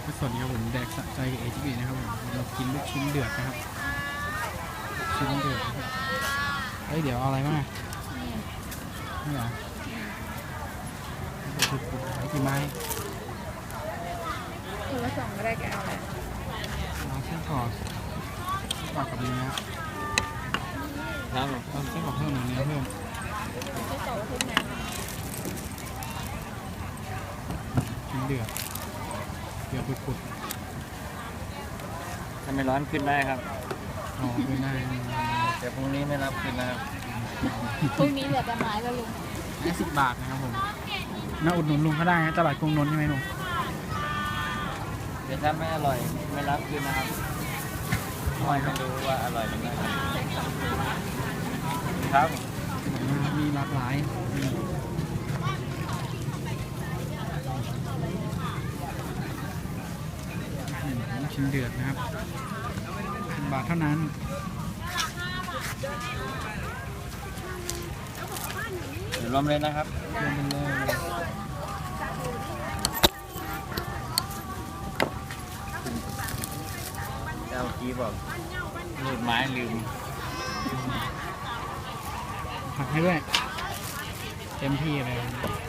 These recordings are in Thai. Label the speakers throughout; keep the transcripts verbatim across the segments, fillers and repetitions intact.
Speaker 1: สวัสดีครับผมแดกสะใจกับเอจิบีนะครับผมเรากินลูกชิ้นเดือดนะครับชิ้นเดือดนะครับเฮ้ยเดี๋ยวเอาอะไรบ้างอ่ะนี่เหรอไอ้กี่ไม้
Speaker 2: คนละสองก็ได้แกเอาแหละ
Speaker 1: เอาเส้นกรอกกรอกกับเนื้อ
Speaker 3: ครับผม
Speaker 1: เอาเส้นกรอกเพิ่มหนึ่งเนื้อเพิ่ม
Speaker 2: ไม่ต่อขึ้นนะ
Speaker 1: ชิ้นเดือดเดือดปุด
Speaker 3: ถ้าไม่ร้อนขึ้นได้ครับ
Speaker 1: ๆอ๋อคือได้
Speaker 3: แต่พรุ่งนี้ไม่รับขึ้นนะครับ
Speaker 2: พรุ่งนี้เหลือแต่ไม้แล้วลุง
Speaker 1: ห้าสิบบาทนะครับผมน่าอุดหนุนลุงเขาได้นะตลาดกรุงนนท์ใช่ไหมลุง
Speaker 3: เดี๋ยวถ้าไม่อร่อยไม่รับขึ้นนะครับคอยมาดูว่าอร่อยหรือไม่ครับ
Speaker 1: มีหลากหลายมีชิ้นเดือดนะครับสิบบาทเท่านั้น
Speaker 3: เดี๋ยวรวมเลยนะครับ
Speaker 1: รวมเป็นเลย
Speaker 3: เจ้ากี้บอกลืมไม้ลืม
Speaker 1: ผักให้ด้วยเต็มที่เลย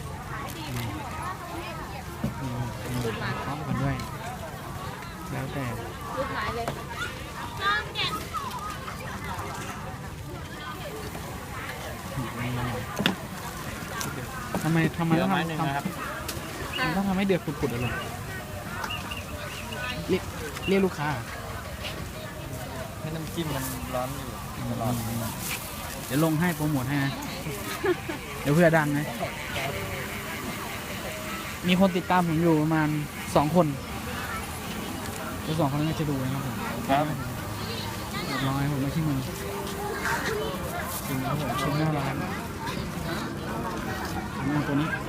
Speaker 1: พร้อมกันด้วย แล้วแต่
Speaker 2: รูปไม้เลย
Speaker 1: ทำไมทำไม
Speaker 3: เหลื
Speaker 1: ต้
Speaker 3: อ
Speaker 1: อง
Speaker 3: ไม้
Speaker 1: ทำ
Speaker 3: หนึ่ง
Speaker 1: ทำ
Speaker 3: นะครับ
Speaker 1: มันต้องทำให้เดือดปุดๆอะลุงเรียกเรียกลูกค้า
Speaker 3: ให้น้ำจิ้มมันร้อนอยู่ตลอด
Speaker 1: เดี๋ยวลงให้โปรโมทให้นะ เดี๋ยวเพื่อดังนะ มีคนติดตามผมอยู่ประมาณสองคนแล้วสองคนนั้นก็จะดูนะครับผม
Speaker 3: ครับ
Speaker 1: เรียบร้อยผมไม่ใช่มือชิมแล้วผมชิมหน้าร้านผมเอาตัวนี้